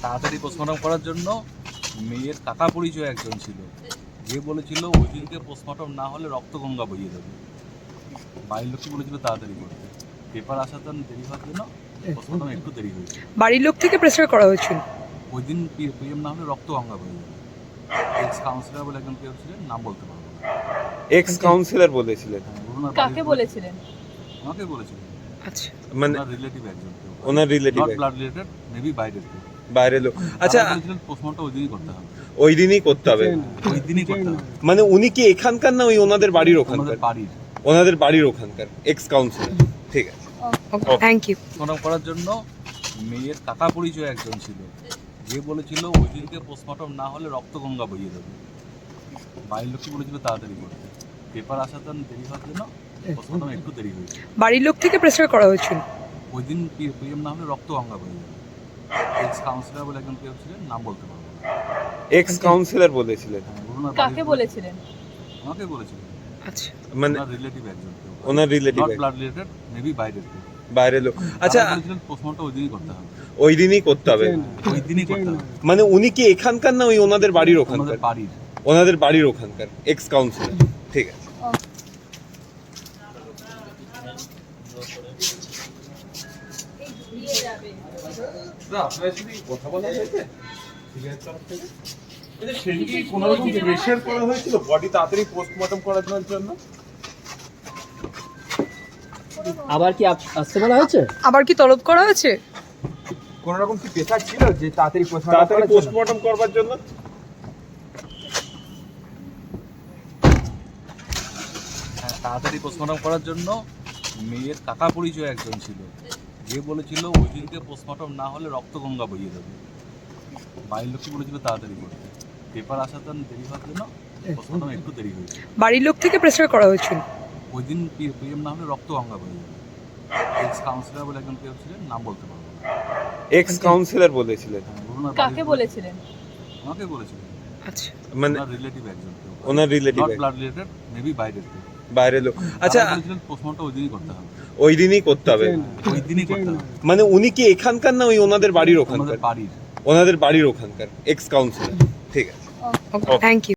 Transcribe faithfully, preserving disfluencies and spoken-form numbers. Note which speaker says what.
Speaker 1: তাড়াতাড়ি পোস্টমর্টম করার জন্য মেয়ের কাকা পরিচয় একজন ছিল, যে বলেছিল ওই দিনকে পোস্টমর্টম না হলে রক্তগঙ্গা বইয়ে দেবে। বাড়ির লোককে বলেছিল তাড়াতাড়ি করতে, পেপার আসার জন্য দেরি হওয়ার জন্য পোস্টমর্টম একটু দেরি হয়েছে।
Speaker 2: বাড়ির লোক থেকে প্রেসার করা হয়েছিল।
Speaker 1: ওই দিন পিএম না হলে রক্তগঙ্গা বইয়ে যাবে। এক্স কাউন্সিলর বলে একজন কেউ ছিলেন, নাম বলতে পারবো না।
Speaker 3: এক্স কাউন্সিলর বলেছিলেন?
Speaker 1: ওনার
Speaker 4: কাকে
Speaker 1: বাড়ির-
Speaker 4: বলেছিলেন?
Speaker 1: আমাকে বলেছিলেন,
Speaker 2: আচ্ছা,
Speaker 3: মানে
Speaker 1: ওনার রিলেটিভ একজন কেউ,
Speaker 3: ওনার relative
Speaker 1: not blood related, maybe বাইরের কেউ।
Speaker 3: বাইরের লোক। আচ্ছা,
Speaker 1: তারা বলেছিলেন পোস্টমর্টম ওই দিনই করতে হবে,
Speaker 3: ওই দিনই করতে হবে।
Speaker 1: ওই দিনই করতে হবে।
Speaker 3: মানে উনি কি এখানকার না ওই ওনাদের বাড়ির ওখানকার?
Speaker 1: ওনাদের বাড়ির
Speaker 3: ওনাদের বাড়ির ওখানকার এক্স কাউন্সিলর। ঠিক আছে,
Speaker 2: থ্যাংক ইউ।
Speaker 1: পোস্টমর্টম করার জন্য মেয়ের কাকা পরিচয় একজন ছিল, যে বলেছিল ওই দিনকে পোস্টমর্টম না হলে রক্তগঙ্গা বইয়ে দেবে। বাড়ির লোককে বলেছিল তাড়াতাড়ি করতে, পেপার আসার জন্য দেরি হওয়ার জন্য পোস্টমর্টম একটু দেরি হয়েছে।
Speaker 2: বাড়ির লোক থেকে প্রেসার করা হয়েছিল।
Speaker 1: ওই দিন পিএম না হলে রক্তগঙ্গা বইয়ে যাবে। এক্স কাউন্সিলর বলে একজন কেউ ছিলেন, নাম বলতে পারবো না।
Speaker 3: এক্স কাউন্সিলর বলেছিলেন?
Speaker 1: ওনার
Speaker 4: কাকে
Speaker 1: বাড়ির-
Speaker 4: বলেছিলেন?
Speaker 1: আমাকে বলেছিলেন,
Speaker 2: আচ্ছা,
Speaker 3: মানে
Speaker 1: ওনার রিলেটিভ একজন কেউ,
Speaker 3: ওনার relative
Speaker 1: not blood related, maybe বাইরের কেউ।
Speaker 3: বাইরের লোক। আচ্ছা,
Speaker 1: তারা বলেছিলেন পোস্টমর্টম ওই দিনই করতে হবে,
Speaker 3: ওই দিনই করতে হবে।
Speaker 1: ওই দিনই করতে হবে।
Speaker 3: মানে উনি কি এখানকার না ওই ওনাদের বাড়ির ওখানকার?
Speaker 1: ওনাদের বাড়ির
Speaker 3: ওনাদের বাড়ির ওখানকার এক্স কাউন্সিলর। ঠিক আছে,
Speaker 5: আপনার সাথে কথা বলা হয়েছে সেদিকে কোনো রকম প্রেশার করা হয়েছিল বডি তাড়াতাড়ি পোস্টমর্টম করার জন্য?
Speaker 6: আবার কি আপ- আসতে বলা হয়েছে?
Speaker 2: আবার কি তলব করা হয়েছে?
Speaker 5: কোনো রকম কি প্রেশার ছিল যে তাড়াতাড়ি
Speaker 3: তাড়াতাড়ি পোস্টমর্টম করবার জন্য?
Speaker 1: হ্যাঁ, তাড়াতাড়ি পোস্টমর্টম করার জন্য মেয়ের কাকা পরিচয় একজন ছিল, যে বলেছিল ওই দিনকে পোস্টমর্টম না হলে রক্তগঙ্গা বইয়ে দেবে। বাড়ির লোককে বলেছিল তাড়াতাড়ি করতে, পেপার আসার জন্য দেরি হওয়ার জন্য পোস্টমর্টম একটু দেরি হয়েছে।
Speaker 2: বাড়ির লোক থেকে প্রেসার করা হয়েছিল।
Speaker 1: ওই দিন পিএম না হলে রক্তগঙ্গা বইয়ে যাবে। এক্স কাউন্সিলর বলে একজন কেউ ছিলেন, নাম বলতে পারবো না।
Speaker 3: এক্স কাউন্সিলর বলেছিলেন?
Speaker 1: ওনার
Speaker 4: কাকে
Speaker 1: বাড়ির-
Speaker 4: বলেছিলেন?
Speaker 1: আমাকে বলেছিলেন,
Speaker 2: আচ্ছা,
Speaker 3: মানে
Speaker 1: ওনার রিলেটিভ একজন কেউ,
Speaker 3: ওনার relative
Speaker 1: not blood related, maybe বাইরের কেউ।
Speaker 3: বাইরের লোক। আচ্ছা,
Speaker 1: তারা বলেছিলেন পোস্টমর্টম ওই দিনই করতে হবে,
Speaker 3: ওই দিনই করতে হবে।
Speaker 1: ওই দিনই করতে হবে।
Speaker 3: মানে উনি কি এখানকার না ওই ওনাদের বাড়ির ওখানকার?
Speaker 1: ওনাদের বাড়ির
Speaker 3: ওনাদের বাড়ির ওখানকার এক্স কাউন্সিলর। ঠিক আছে,
Speaker 2: থ্যাংক ইউ।